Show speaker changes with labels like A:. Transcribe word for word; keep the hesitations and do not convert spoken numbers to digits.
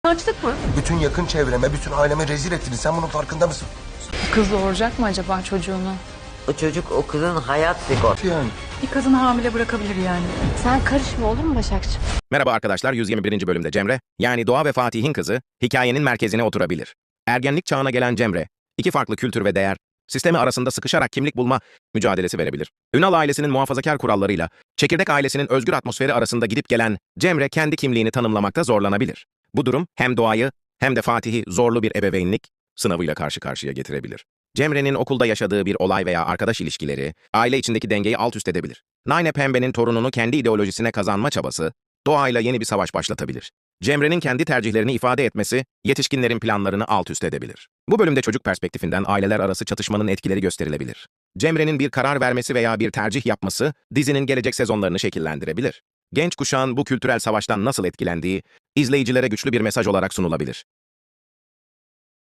A: Açlık mı?
B: Bütün yakın çevreme, bütün aileme rezil ettiniz. Sen bunun farkında mısın?
C: Kız doğuracak mı acaba çocuğunu?
D: O çocuk o kızın hayat sigortası.
B: Yani.
C: Bir kadını hamile bırakabilir yani.
A: Sen karışma olur mu Başakçığım?
E: Merhaba arkadaşlar, yüz yirmi birinci bölümde Cemre, yani Doğa ve Fatih'in kızı, hikayenin merkezine oturabilir. Ergenlik çağına gelen Cemre, iki farklı kültür ve değer, sistemi arasında sıkışarak kimlik bulma mücadelesi verebilir. Ünal ailesinin muhafazakar kurallarıyla, Çekirdek ailesinin özgür atmosferi arasında gidip gelen Cemre kendi kimliğini tanımlamakta zorlanabilir. Bu durum hem Doğa'yı hem de Fatih'i zorlu bir ebeveynlik sınavıyla karşı karşıya getirebilir. Cemre'nin okulda yaşadığı bir olay veya arkadaş ilişkileri, aile içindeki dengeyi alt üst edebilir. Nine Pembe'nin torununu kendi ideolojisine kazanma çabası, Doğa'yla yeni bir savaş başlatabilir. Cemre'nin kendi tercihlerini ifade etmesi, yetişkinlerin planlarını alt üst edebilir. Bu bölümde çocuk perspektifinden aileler arası çatışmanın etkileri gösterilebilir. Cemre'nin bir karar vermesi veya bir tercih yapması, dizinin gelecek sezonlarını şekillendirebilir. Genç kuşağın bu kültürel savaştan nasıl etkilendiği, izleyicilere güçlü bir mesaj olarak sunulabilir.